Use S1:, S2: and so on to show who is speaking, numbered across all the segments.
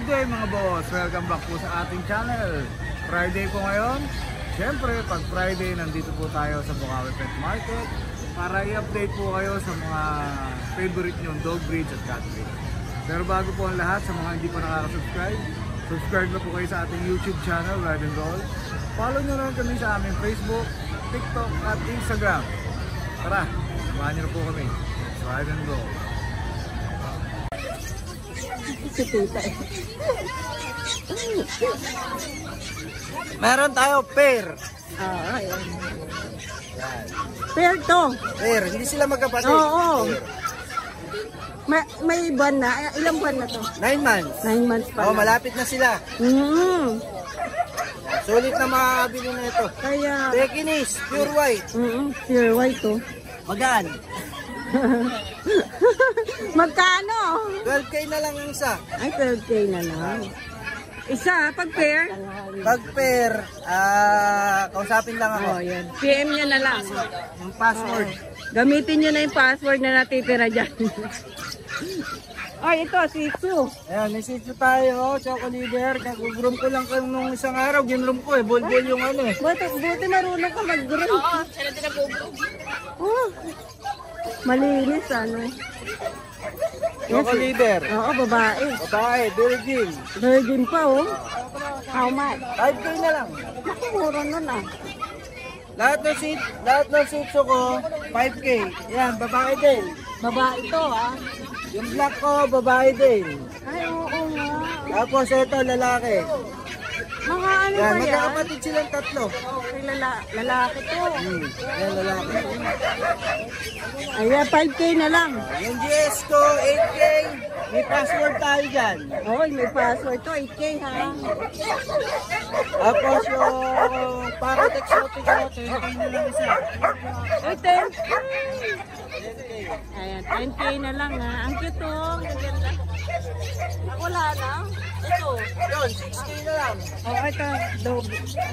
S1: day mga boss! Welcome back po sa ating channel. Friday po ngayon. Siyempre, pag Friday, nandito po tayo sa Bukawi Pet Market para i-update po kayo sa mga favorite nyong dog breeds at cat breeds. Pero bago po ang lahat, sa mga hindi pa nakaka-subscribe, subscribe na po kayo sa ating YouTube channel, Ride and Roll. Follow nyo na kami sa aming Facebook, TikTok at Instagram. Tara, samahan nyo na po kami. Ride and Roll.
S2: Meron tayo pair.
S3: Ayan. Pair to.
S2: Pair, hindi sila magkapatid.
S3: Oo. May buwan na. Ilang buwan na to?
S2: 9 months.
S3: 9 months pa.
S2: Oh, malapit na sila. Sulit na makakabili na ito.
S3: Kaya
S2: Pekinese, pure white.
S3: pure white to.
S2: Magaan.
S3: Magkano?
S2: 12K na lang ang isa.
S3: Ay, 12K na lang. Isa, pag pair?
S2: Pag pair, kausapin lang ako.
S3: Oh, yan. PM nyo na lang.
S2: Yung password.
S3: Gamitin nyo na yung password na natitira dyan. Ay, ito, Shih Tzu.
S2: Ayan, may Shih Tzu tayo, Choco Leader. Kag-groom ko lang nung isang araw, ginroom ko eh. Bol-bol yung ano eh.
S3: Buti marunong ka mag-groom. Oo, sila din nag-groom. Oh, malinis ano.
S2: Choco Leader.
S3: Oo, babae.
S2: Babae, virgin.
S3: Virgin pa oh. How much?
S2: 5K na lang.
S3: Nakumura nun ah.
S2: Lahat ng Shih Tzu ko, 5K. Yan, babae din.
S3: Babae to ah.
S2: Yung black ko, babae din.
S3: Ay, oo nga.
S2: Tapos ito, lalaki.
S3: Mga ano
S2: Yan,
S3: ba yan?
S2: magkakapatid silang tatlo.
S3: Okay, lalaki to.
S2: Yan, lalaki.
S3: Ayan, 5K na lang.
S2: Yung GS ko, 8K. May password tayo dyan.
S3: Oo, may password to. 8K ha.
S2: Tapos yung parrot exotic ko, 10K na lang isa.
S3: Ay, 10K. Ayan, 10K na lang ha. Ang cute oh. Ang ganda. Wala na. Ito.
S2: Yun, 6K na lang.
S3: Oh, ito. Dog.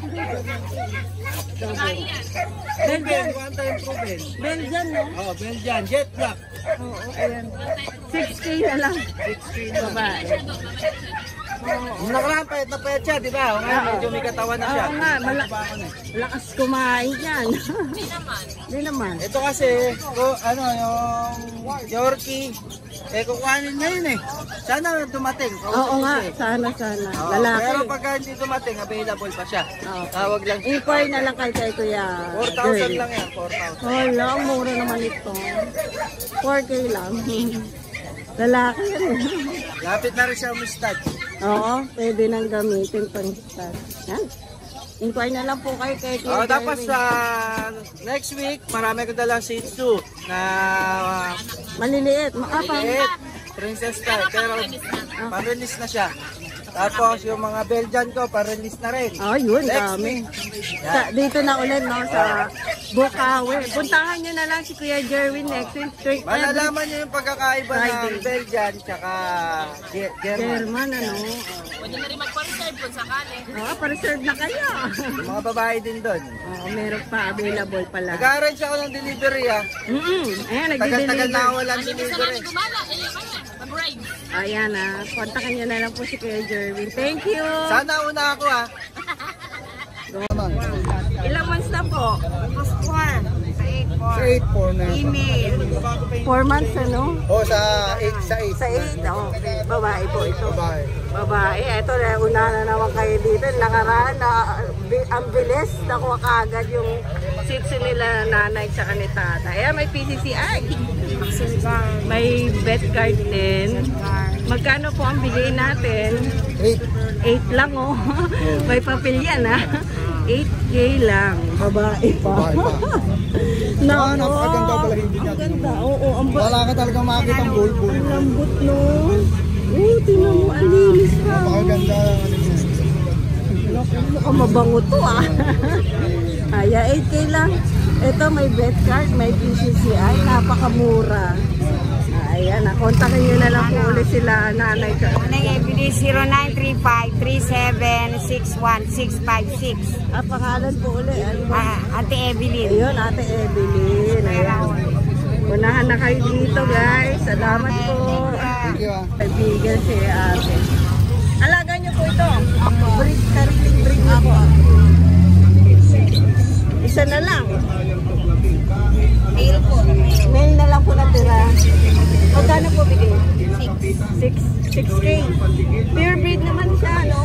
S2: Belgian, one time proven.
S3: Belgian, no?
S2: Oh, Belgian, jet black.
S3: Oo, ayan. 6K na lang.
S2: 6K na lang.
S3: Babae.
S2: Nung nakaraan, payat na payat siya, di ba? O nga, medyo may katawan na siya.
S3: Oo nga, malakas kumain yan. Hindi naman.
S2: Ito kasi, yung Yorkie, kukuhanin ngayon eh. Sana dumating.
S3: Oo nga, sana. Lalaki.
S2: Pero pagka hindi dumating, available pa siya. Tawag lang.
S3: Inquire na lang kay Kuya.
S2: 4,000 lang yan, 4,000.
S3: Wala, ang mura naman ito. 4K lang. Lalaki yan.
S2: Lapit na rin siya umistad.
S3: Oo, pwede nang gamitin pang start. Yan. Inquire na lang po kayo kay Kuya.
S2: Tapos next week, marami ko dalang Shih Tzu na
S3: maliliit.
S2: maliit, princess style, pero pa-release na siya. Tapos yung mga Belgian ko, pa-release na rin.
S3: Oh, yun,
S2: Next
S3: dami.
S2: week.
S3: Dito na ulit, no, sa Bukawi. Puntahan nyo na lang si Kuya Jerwin next week.
S2: Malalaman nyo yung pagkakaiba ng Belgian tsaka German.
S3: German, ano.
S4: Pwede na rin magpa-reserve kung sakali.
S3: Oo, pa-reserve na kayo.
S2: Yung mga babae din doon.
S3: Oo, meron pa, available pala.
S2: Nag-arrange ako ng delivery
S3: Ayan,
S2: Tagal-tagal
S3: nagdi-deliver.
S2: na ako walang
S4: Pwede sa
S2: delivery.
S4: namin gumala. Mag-ride.
S3: Ayan kontakin nyo na lang po si Kuya Jerwin. Thank you.
S2: Sana una ako
S3: Ilang months na po?
S4: Almost 4.
S2: Sa 8-4 na.
S3: Email. 4 months, ano?
S2: O sa 8 sa 8.
S3: Sa 8, okay. Babae po ito.
S2: Babae.
S3: Babae. Ito, una na naman kayo dito. Nakaraan na ang bilis. Nakuha kaagad yung sitsi nila nanay tsaka ni tata. Ayan, may PCCI. May vet card din. Magkano po ang bigay natin? 8 lang oh. May papel yan ha. 8K lang. Babae pa. Nako,
S2: napakaganda pala hindi niya.
S3: ang ganda. Oo,
S2: Wala ka talaga makakita ang bulbul.
S3: ang lambot no. Tingnan mo, ang linis pa.
S2: Napakaganda.
S3: Mukhang mabango to ah. Kaya 8K lang. Ito may vet card, may PCCI, napakamura. Ayan, kontakin nyo na lang po ulit sila nanay ka.
S4: Nanay Evelyn 0935-3761656.
S3: Pangalan po ulit.
S4: Ate Evelyn.
S3: Ayun, Ate Evelyn. Ayan. Unahan na kayo dito guys. Salamat po.
S2: Thank you
S3: Kaibigan si ate. ito. Sariling breed niyo po. Isa na lang.
S4: Male po.
S3: Male na lang po natira. Magkano po bigay? 6K. Pure breed naman siya, no?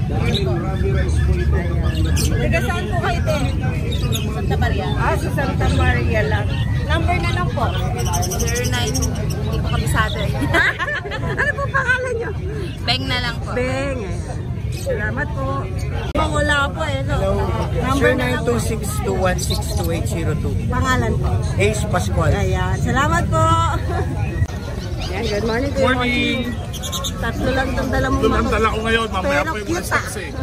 S3: Taga saan po kayo, te?
S4: Santa Maria.
S3: Sa Santa Maria lang. Number na lang po.
S4: 09. Hindi ko kabisado eh.
S3: Ano po pangalan nyo?
S4: Beng na lang po.
S3: Beng. Salamat po. Wala po eh, no? Number na lang po.
S2: 0926-216-2802.
S3: Pangalan po.
S2: Ace Pascual.
S3: Ayan. Salamat po. Ayan, good morning. Good
S1: Morning!
S3: Tatlo lang itong dala mo.
S1: Ito lang dala ko ngayon, mamaya
S3: Pero
S1: po yung
S3: cute,
S1: mga sex eh.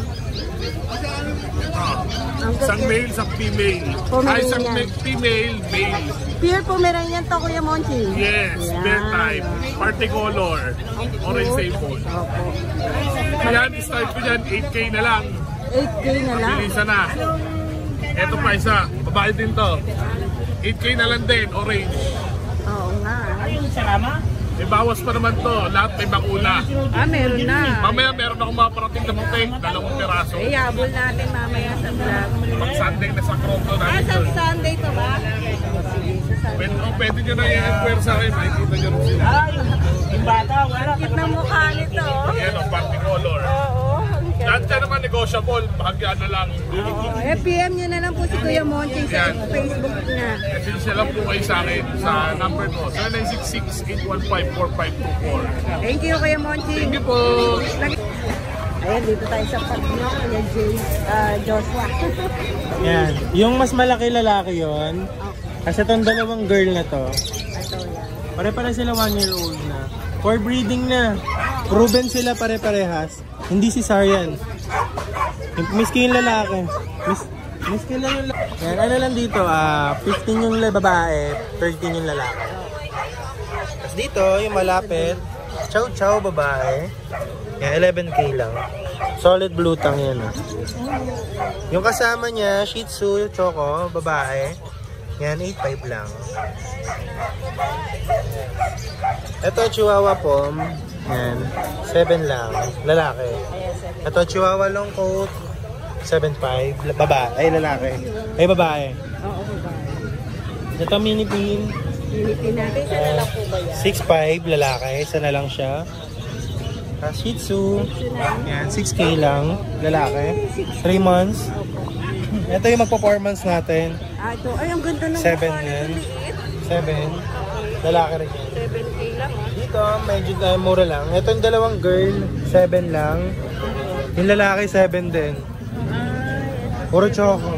S3: Ang
S1: Isang
S3: cute.
S1: male, isang female.
S3: Pomeranian.
S1: Isang female, male.
S3: Pure Pomeranian to, Kuya Monchi.
S1: Yes,
S3: Yan.
S1: bear type, party color, orange sable.
S3: Opo.
S1: Ayan, start ko dyan, 8K na lang.
S3: 8K na lang.
S1: Bilisan na. Ito pa isa, babae din to. 8K na lang din, orange.
S3: Oo nga.
S1: May bawas pa naman to, lahat may bakuna.
S3: Meron na.
S1: Mamaya meron akong mga parating na putik, 2 piraso.
S3: Yabol natin mamaya sa vlog.
S1: Pag Sunday na sa Krokto namin
S3: Sa
S1: yun.
S3: Sunday to ba? Sige, sa Sunday.
S1: Pwede nyo na i-inquire sa akin, makikita nyo rin sila.
S3: Ang cute ng mukha nito.
S1: Ayan ang party color.
S3: Oo.
S1: Lahat ka naman negotiable, bahagya na lang.
S3: PM nyo na lang po si Kuya Monchi sa Facebook niya.
S1: Kasi siya lang po kayo sa akin sa number ko, 0966-815-4524.
S3: Thank you, Kuya Monchi.
S1: Thank you po!
S3: Ayan, dito tayo sa Pagno, Kuya Joshua.
S2: Yan. Yung mas malaki lalaki yon. Kasi itong dalawang girl na to,
S3: Ito yan.
S2: pare-pare sila 1-year-old na. For breeding na. Proven sila pare-parehas. Hindi si Sarian. Miski yung lalaki. Miski lang yung lalaki. Yan, ano lang dito, 15 yung babae, 13 yung lalaki. Tapos dito, yung malapit, chow chow babae. Yan, 11K lang. Solid blue tang yan. Yung kasama niya, Shih Tzu, Choco, babae. Yan, 8.5 lang. Ito, Chihuahua Pom. Yan, 7 lang. Lalaki. Ito, Chihuahua Long Coat. 7.5. Babae. Ay, lalaki. Ay, babae.
S3: Oo, babae.
S2: Ito, Mini Pin.
S3: Pilitin natin, isa na lang po ba yan?
S2: 6.5. Lalaki. Isa na lang siya. Shih Tzu. Yan, 6K lang. Lalaki. 3 months. Ito yung magpa-performance natin.
S3: Ito. Ay, ang ganda ng
S2: 7
S3: mukha
S2: yan.
S3: nito, liit.
S2: 7. Lalaki rin yan.
S3: 7K lang, ah.
S2: Dito, medyo mura lang. Ito yung dalawang girl, 7 lang. Yung lalaki, 7 din. Puro choco.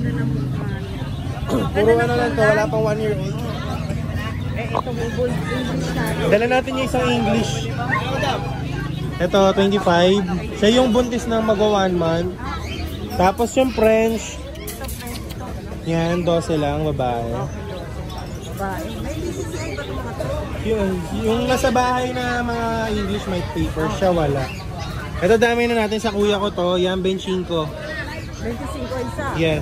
S2: Puro ano lang to, wala pang 1 year old.
S3: Ito mo, bull English natin.
S2: Dala natin yung isang English. Ito, 25. Siya yung buntis ng magwa 1 month. Tapos yung French. Yan, 12 lang, babae.
S3: Babae. May BCCI ba ito mga to?
S2: Yung nasa bahay na mga English may paper, siya wala. Ito dami na natin sa kuya ko to, yan benching ko.
S3: 25 isa.
S2: Yes.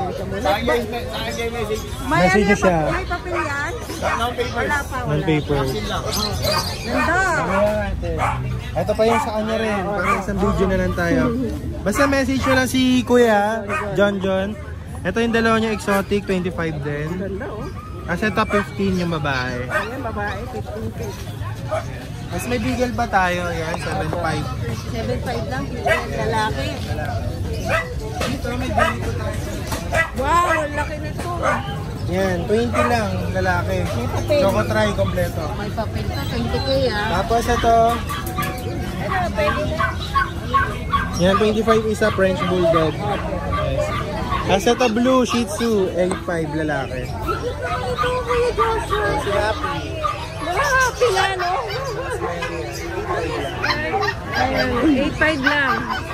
S3: May
S2: Message
S3: ano
S2: siya.
S3: May papel yan? Wala pa, wala.
S2: Non-paper.
S3: Ganda.
S2: Ito pa yung sa kanya rin. Para isang video na lang tayo. Basta message nyo lang si Kuya, John. Ito yung dalawa niya exotic, 25 din.
S3: Ganda, oh.
S2: Kasi top 15 yung babae.
S3: Ayan, babae, 15K.
S2: Mas may bigel pa tayo. Yan, 7.5.
S3: 7.5 lang, lalaki.
S2: Dito may bigel pa tayo.
S3: Wow, ang laki nito.
S2: Yan, 20 lang, lalaki.
S3: May papel.
S2: Choco try, kompleto.
S3: May papel pa, 20K ah.
S2: Tapos ito,
S3: Ano, pwede na.
S2: yan, 25 isa, French Bulldog. Yes. Tapos ito, blue, Shih Tzu, 8.5 lalaki.
S3: Ito, Kuya Joshua.
S2: Si Happy.
S3: Happy na, no? Ayun, 8.5 lang.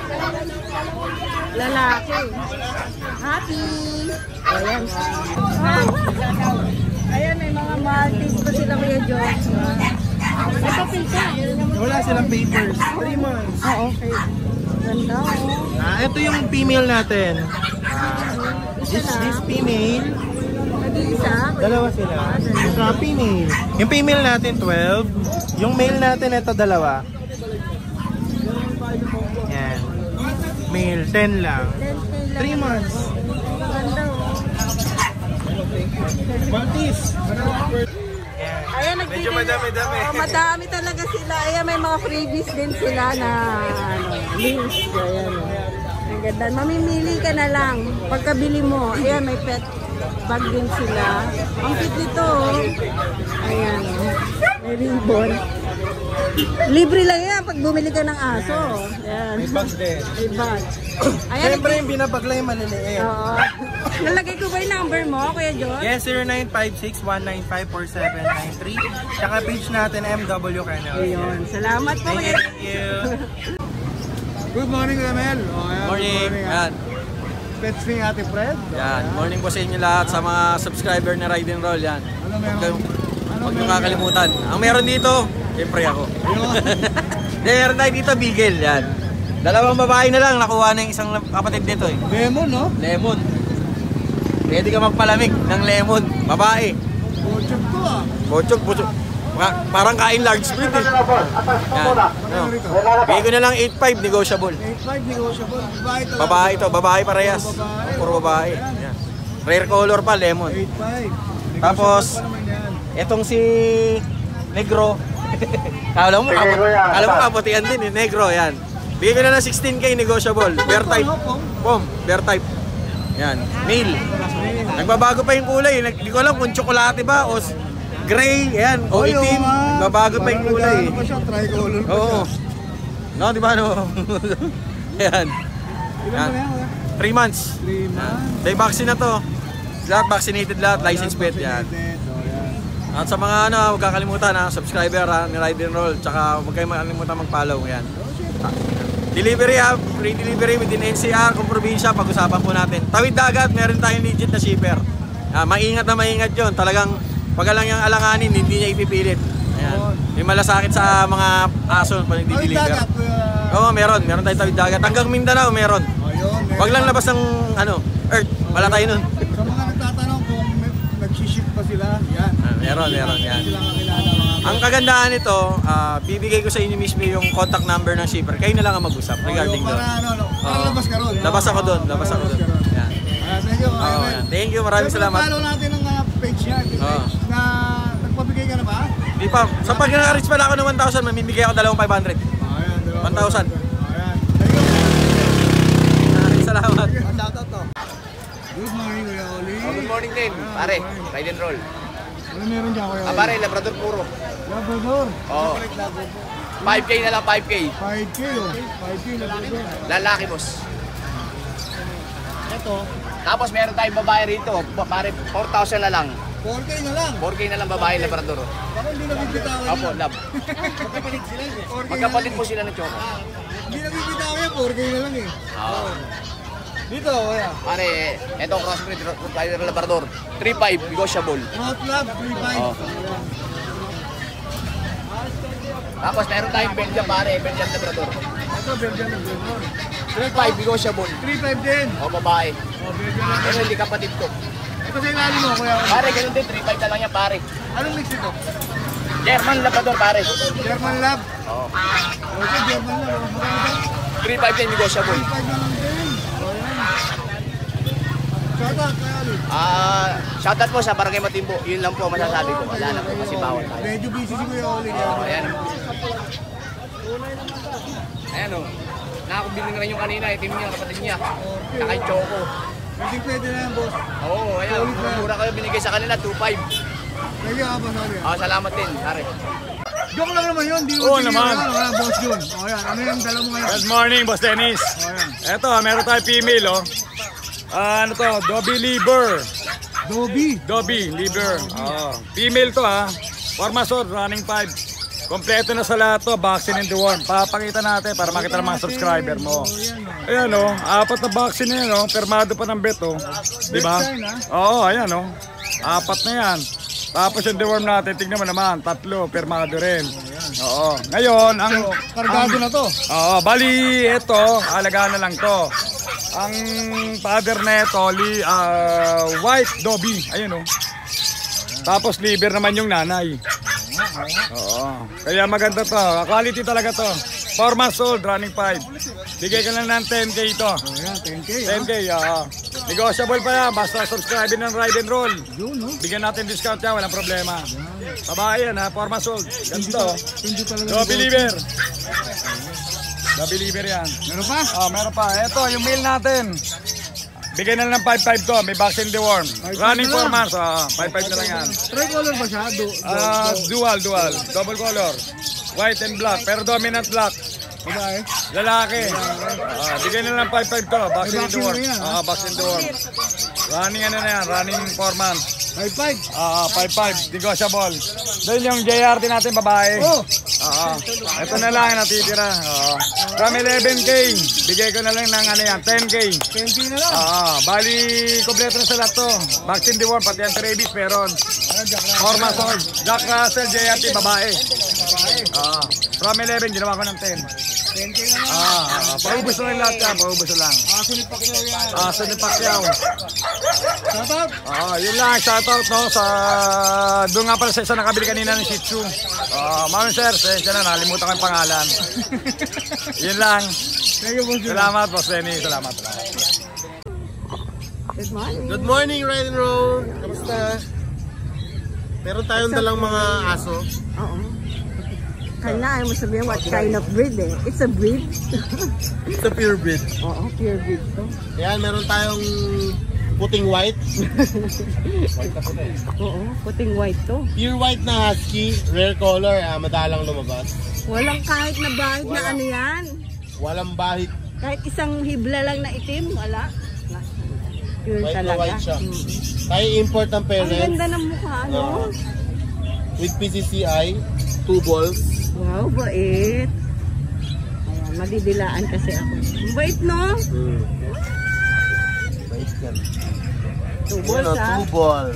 S3: Lalaki. Happy. Ayan. Ayan, may mga Maltese pa sila, Kuya Joshua. May papel ka.
S2: Wala silang papers. 3 months.
S3: Okay. Ganda, oh.
S2: Ito yung female natin.
S3: Isa
S2: This
S3: na.
S2: female,
S3: Nag-iisa.
S2: dalawa sila. Sa female. Yung female natin, 12. Yung male natin, ito, dalawa. Yan. Male, 10 lang. 3 months.
S3: Maganda oh.
S2: Maltese.
S3: Ayan,
S2: Medyo madami-dami.
S3: Madami talaga sila. Ayan, may mga freebies din sila na links. Ayan. Ang ganda. Mamimili ka na lang. Pagkabili mo, ayan, may pet bag din sila. Ang cute nito. Oh. Ayan. May ribbon. Libre lang yan pag bumili ka ng aso. Ayan.
S2: May bag din.
S3: May bag. Ayan.
S2: Siyempre yung binabag lang yung maliliit.
S3: Oo. Nalagay ko ba yung number mo, Kuya John?
S2: Yes, 0956-195-4793. Tsaka page natin, MW Kennel.
S3: Ayun. Salamat po, Kuya.
S2: Thank you.
S1: Good morning, Ramel.
S5: Morning. Yan.
S1: Pets ni Ate Fred.
S5: Yan. Morning po sa inyo lahat sa mga subscriber na Ride and Roll. Yan.
S1: Ano meron?
S5: Huwag nyo kakalimutan. Ang meron dito, siyempre ako. Meron tayo dito, Beagle. Yan. Dalawang babae na lang. Nakuha na yung isang kapatid nito eh.
S1: Lemon, no?
S5: Lemon. Pwede ka magpalamig ng lemon. Babae.
S1: Bochok to ah.
S5: Bochok, bochok. Parang kain large breed eh. Yan. No. Bigay ko na lang 8.5 negotiable.
S1: 8.5 negotiable. Babae to.
S5: Babae to, babae parehas. Puro babae. Yan. Rare color pa, lemon.
S1: 8.5.
S5: Tapos, etong si Negro. Alam mo kaputian din eh, Negro, yan. Bigay ko na ng 16K negotiable. Bear type. Pom, bear type. Yan, male. Nagbabago pa yung kulay. Hindi ko alam kung tsokolate ba o gray, yan, o itim. Nagbabago pa yung kulay.
S1: Ano pa siya? Tricolor pa
S5: Oo.
S1: siya.
S5: No, di ba no? Yan.
S1: Ilan
S5: Yan.
S1: ba yan?
S5: 3 months.
S1: 3 months.
S5: May vaccine na to. Lahat vaccinated lahat, license plate yan. At sa mga huwag kakalimutan subscriber ni Ride and Roll, tsaka huwag kayong makalimutan mag-follow yan. Delivery free delivery within NCR, kung probinsya, pag-usapan po natin. Tawid dagat, meron tayong legit na shipper. Maingat na maingat yun, talagang pag lang yung alanganin, hindi niya ipipilit. Ayan. May malasakit sa mga aso pag nagdi-deliver. Oo, meron tayong tawid dagat. Hanggang Mindanao meron. Huwag lang labas ng earth, wala tayo nun.
S1: Sa mga nagtatanong kung nag-ship pa sila, yan.
S5: Meron yan.
S1: Sila kakilala mga.
S5: Ang kagandahan nito, bibigay ko sa inyo mismo yung contact number ng shipper. Kayo na lang ang mag-usap regarding doon.
S1: Para labas ka ron.
S5: Labas ako doon. Yan.
S1: Thank you.
S5: Thank you, maraming salamat.
S1: Follow natin ang page niya. Na nagpabigay ka na ba?
S5: Di pa. Sa pag naka-reach pala ako ng 1,000, mamimigay ako 2,500.
S1: Ayan,
S5: 1,000.
S1: Ayan.
S5: Maraming salamat.
S1: Shoutout to. Good morning, Kuya Oli.
S6: Good morning din, pare. Ride and roll.
S1: Ano meron dyan, Kuya Oli?
S6: Pare, Labrador puro.
S1: Labrador.
S6: Oo. 5K na lang, 5K.
S1: 5K, oh. 5K, Labrador.
S6: Lalaki, boss.
S1: Ito,
S6: Tapos meron tayong babae rito. Pare, 4,000 na lang.
S1: 4K na lang.
S6: 4K na lang babae Labrador.
S1: Baka hindi nabibitawan
S6: Opo,
S1: yan.
S6: love.
S1: Magkapalit sila eh. 4K
S6: Magkapalit
S1: na
S6: po
S1: lang.
S6: sila ng choco.
S1: Hindi nabibitawan yan, 4K na lang eh.
S6: Oo.
S1: Dito, Kuya.
S6: Pare, eto crossbreed Rottweiler Labrador. 3,500, negotiable.
S1: Rot Lab, 3.5.
S6: Oo. Tapos meron tayong Belgian, pare. Belgian Labrador.
S1: Ito, Belgian Labrador.
S6: 3,500, negotiable.
S1: 3.5 din.
S6: O, babae.
S1: Oh, Belgian
S6: Pero
S1: Labrador.
S6: hindi kapatid ko.
S1: Ito sa ilalim mo, Kuya Oli.
S6: Pare, ganun din. 3,500 na lang yan, pare.
S1: Anong mix ito?
S6: German Labrador, pare.
S1: German Lab.
S6: Oo.
S1: Okay, German Lab. Magkano?
S6: 3,500 din, negotiable.
S1: 3.5 na lang din. O, yan. Shoutout, Kuya Oli.
S6: Shoutout po sa Barangay Matimbo. Yun lang po masasabi ko. Wala na po kasi bawal tayo.
S1: Medyo busy si Kuya Oli.
S6: Ayan. Ayan o. Nakakabili na rin yung kanina. Itim niya, kapatid niya. Saka yung choco.
S1: Pwede na yan, boss.
S6: Oo, ayan. Mura kayo binigay sa kanila, 2,500.
S1: Thank you, Boss Oli.
S6: Salamat din, pare.
S1: Joke lang naman yun. Di
S7: Oo naman.
S1: Boss Jun. O yan, ano yung dala mo ngayon?
S7: Good morning, Boss Dennis.
S1: O yan.
S7: Eto, meron tayo female, oh. Ano to? Dobby liver.
S1: Dobby
S7: liver. Female to, ha. Formasor, running 5. Kompleto na sa lahat to, vaccine and deworm. Papakita natin para makita ng mga subscriber mo. Ayan, oh. 4 na vaccine na yan, oh. Permado pa ng vet, oh. Diba? Oo, ayan, oh. 4 na yan. Tapos yung deworm natin, tignan mo naman, 3, permado rin. Oo. Ngayon, ang...
S1: Kargado na to.
S7: Oo, bali, ito, alagaan na lang to. Ang father na ito, white Dobby. Ayun, oh. Tapos liver naman yung nanay. Oo. Kaya maganda to. Quality talaga to. 4 months old, running 5. Bigay ka lang ng 10K ito.
S1: Oh, yan, 10K.
S7: 10K, negotiable pa yan. Basta subscribe ng Ride and Roll.
S1: Yun, no?
S7: Bigyan natin discount yan, walang problema. Babae yan ha, 4 months old. Ganito.
S1: Hindi talaga.
S7: No believer. No believer yan.
S1: Meron pa?
S7: Meron pa. Ito, yung mail natin. Bigyan na lang ng 5.5 to. May vaccine deworm.
S1: 5.5
S7: Running
S1: na
S7: 4
S1: lang.
S7: months. 5.5 na lang yan.
S1: Tricolor ba siya?
S7: Dual. Double color. White and black. Pero dominant black.
S1: Babae?
S7: Lalaki. Bigyan na lang 5.5 to. Vaccine
S1: vaccine
S7: deworm.
S1: na yan,
S7: Vaccine deworm. Running ano na yan. Running 4 months.
S1: 5.5.
S7: 5.5. Negotiable. Then yung JRT natin babae.
S1: Oh!
S7: Ito na lang yung natitira. From 11K. Bigay ko na lang ng ano yan. 10K.
S1: 10K na lang.
S7: Bali, kompleto na sa lahat to. Vaccine deworm, pati anti-rabies meron. Hormas old. Jack Russell, JRT, babae. From 11, ginawa ko ng 10.
S1: 10K na lang.
S7: Paubos na lang lahat yan, paubos na lang.
S1: Sunod pa kayo yan.
S7: Sunod Pacquiao.
S1: Shout out.
S7: Yun lang, shoutout no, sa... Doon nga pala sa isa nakabili kanina ng Shih Tzu. Mami sir, siya na, nalimutan ko yung pangalan. Yun lang.
S1: Thank you, boss.
S7: Salamat, Boss Lenny. Salamat.
S3: Good morning.
S2: Good morning, Ride and Roll. Kamusta? Meron tayong dalang mga aso.
S3: Oo. Kailangan mo sabihin what kind of breed eh. It's a breed.
S2: It's a pure breed.
S3: Oo, pure breed to.
S2: Ayan, meron tayong puting white.
S3: Oo, puting white to.
S2: Pure white na husky, rare color, madalang lumabas.
S3: Walang kahit na bahid na ano yan.
S2: Walang bahit,
S3: Kahit isang hibla lang na itim, wala. Pure
S2: white na
S3: talaga.
S2: white siya. Tayo import ng
S3: Ang
S2: parents
S3: ganda ng mukha, no?
S2: with PCCI, 2 balls.
S3: Wow, bait. Ayan, madidilaan kasi ako. Ang bait, no?
S2: Bait yan.
S3: Tubos, ha?
S2: 2 balls.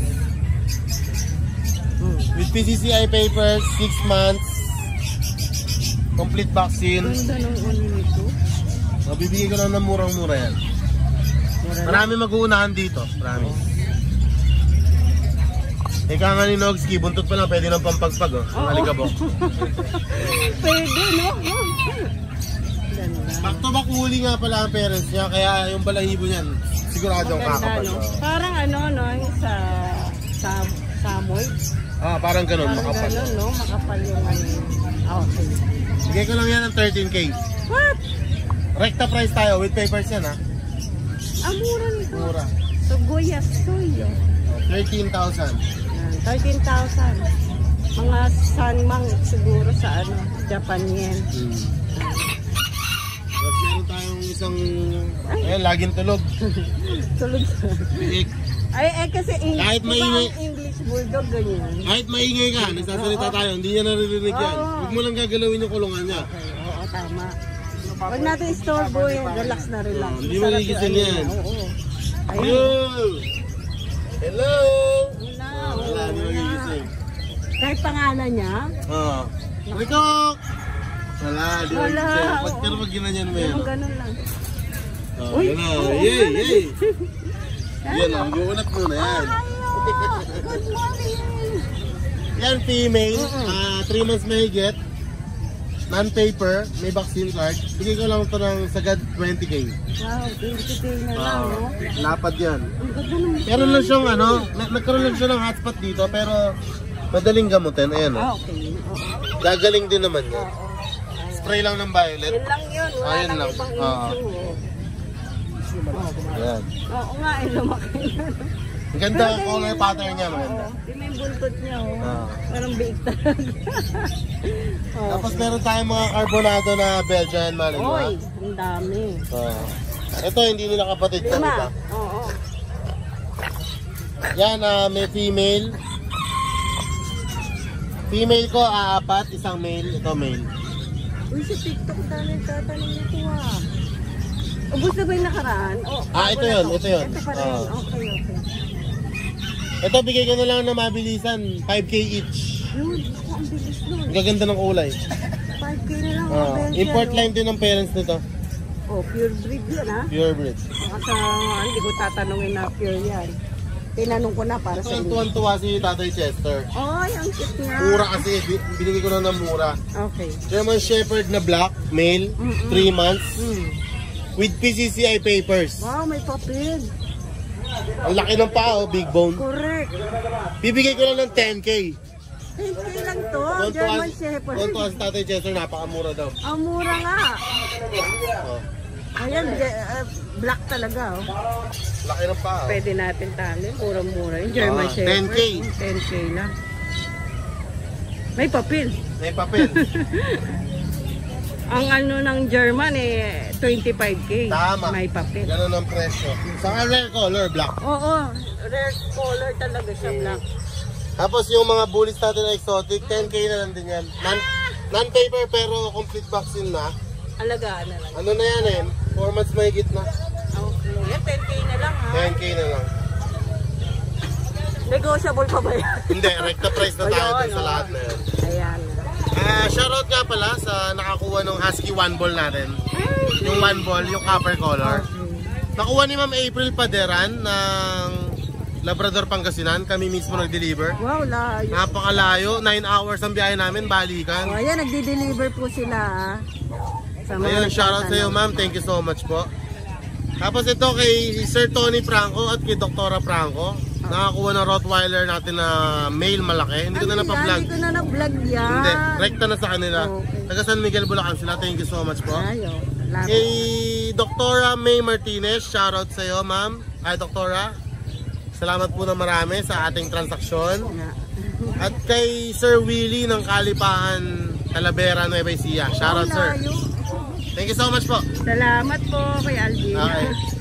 S2: With PCCI papers, 6 months. Complete vaccine.
S3: Ganda ng ano nito.
S2: Mabibigay ko lang ng murang-mura yan. Marami mag-uunahan dito. Promise. Ika nga ni Nogski, buntot pa lang, pwede nang pampagpag, oh. Ang alikabok.
S3: Pwede, no? Ganda.
S2: Back to back huli nga pala ang parents niya, kaya yung balahibo niyan, siguradong
S3: Ganda,
S2: kakapal.
S3: no?
S2: Oh.
S3: Parang ano, no? Yung sa samoy.
S2: Parang ganun,
S3: Parang
S2: makapal.
S3: gano'n, no? Makapal yung ano. Okay.
S2: Bigay ko lang yan ng 13K.
S3: What?
S2: Recta price tayo, with papers yan, ha?
S3: Ang mura nito.
S2: Mura.
S3: So, Goyas to yun.
S2: 13,000.
S3: 13,000. Mga sanmang siguro sa ano, Japan yen.
S2: Tapos meron tayong isang, ayun, laging tulog.
S3: Tulog sa...
S2: Biik.
S3: Ay, kasi
S2: Kahit
S3: diba
S2: maingay-
S3: ang English bulldog ganyan.
S2: Kahit maingay ka, nagsasalita tayo, hindi niya naririnig yan.
S3: Oo.
S2: Huwag mo lang gagalawin yung kulungan niya.
S3: Okay, oo, tama. Huwag natin istorbo yan. Relax na relax.
S2: Hindi mo
S3: Sarap
S2: gigising
S3: yung
S2: yan.
S3: ano, oo. Ayun.
S2: Yo! Hello!
S3: Wala,
S2: Wala, hindi
S3: wala.
S2: magigising.
S3: Kahit pangalan niya,
S2: Rico! Wala, di ba?
S3: Wala, oo.
S2: Pero pag ginanyan mo yan.
S3: yung ganun lang.
S2: Uy! Yay! Yay! Yan, mag-uunat muna yan.
S3: Good morning!
S2: Yan, female. 3 months may get. Non-paper, may vaccine card. Bigay ko lang ito ng sagad 20K.
S3: Wow, 20K na lang, no?
S2: Lapad yan.
S3: Ang ganda naman.
S2: Meron lang siyang ano, nagkaroon lang siya ng hotspot dito, pero madaling gamutin. Ayan, oh.
S3: Okay. Oo.
S2: Gagaling din naman yan. Spray lang ng violet.
S3: Yun lang yun. Wala
S2: Ayun
S3: nang
S2: lang.
S3: ibang
S2: Oo.
S3: issue.
S2: Ayan.
S3: Oo nga, lumaki na.
S2: Ang ganda ang color pattern niya, maganda.
S3: Yung may buntot niya, oh.
S2: Oo.
S3: Parang biig talaga. Oh.
S2: Tapos meron tayong mga carbonado na Belgian Malinois.
S3: Oy, ang dami.
S2: Ito, hindi nila kapatid ko.
S3: Lima. Oo.
S2: Yan, may female. Female ko, 4, isang male. Ito, male.
S3: Uy, sa TikTok tayo nagtatanong nito, ah. Ubus na ba yung nakaraan? Oh,
S2: Ito yun, ito yun.
S3: Ito pa rin. Okay.
S2: Ito, bigay ko na lang na mabilisan. 5K each.
S3: Yun, ako ang bilis nun.
S2: Ang gaganda ng kulay.
S3: 5K na lang. ang Belgian,
S2: Import
S3: oh.
S2: line din ng parents nito.
S3: Oh, pure breed yun, ha?
S2: Pure breed.
S3: Baka sa hindi ko tatanungin na pure yan. tinanong ko na para sa
S8: Ito ang
S3: inyo.
S8: tuwan-tuwa si Tatay Chester.
S3: Ay, ang cute nga.
S8: Mura kasi, binigay ko na ng mura.
S3: Okay.
S8: German Shepherd na black, male, 3 months, with PCCI papers.
S3: Wow, may papel.
S8: Ang laki ng paa, big bone.
S3: Correct.
S8: Bibigay ko lang ng 10K.
S3: 10K lang to, German Shepherd.
S8: Tuwan-tuwa si Tatay Chester, napakamura daw.
S3: Ang mura nga.
S8: Oh,
S3: Ayan, black talaga. Oh.
S8: laki ng paa.
S3: Pwede natin tali. Murang-mura yung German Shepherd.
S8: 10K.
S3: 10K lang. May papel.
S8: May papel.
S3: Ang ano ng German 25K.
S8: Tama.
S3: May papel.
S8: Ganun ang presyo. Sa rare color, black.
S3: Oo, rare color talaga siya, black.
S8: Tapos yung mga bullies natin na exotic, 10K na lang din yan. Non-paper pero complete vaccine na.
S3: Alagaan na lang.
S8: Ano na yan 4 months may na.
S3: Okay. Yan, 10K na lang ha.
S8: 10K na lang.
S3: Negotiable pa ba yan?
S8: Hindi, recta price na tayo dun sa lahat na yan.
S3: Ayan.
S8: Shoutout nga pala sa nakakuha ng Husky 1 ball natin. Yung 1 ball, yung copper color. Nakuha ni Ma'am April Paderan ng Labrador Pangasinan. Kami mismo nag-deliver.
S3: Wow, layo.
S8: Napakalayo, 9 hours ang biyahe namin, balikan.
S3: O, ayan, nagdi-deliver po sila ha. Sa mga
S8: Ayun, shoutout sa iyo ma'am, thank you so much po. Tapos ito kay Sir Tony Franco at kay Doktora Franco. Nakakuha ng Rottweiler natin na male malaki. Hindi ko na napa-vlog.
S3: Hindi ko na na-vlog yan.
S8: Hindi, rekta na sa kanila.
S3: Okay.
S8: Taga San Miguel, Bulacan sila. Thank you so much po.
S3: Ayo.
S8: Kay Doktora May Martinez, shoutout sa iyo ma'am. Ay Doktora, salamat po na marami sa ating transaksyon. At kay Sir Willie ng Kalipahan, Talavera, Nueva Ecija. Shoutout sir. Thank you so much po.
S3: Salamat po kay Alvin.
S8: Okay.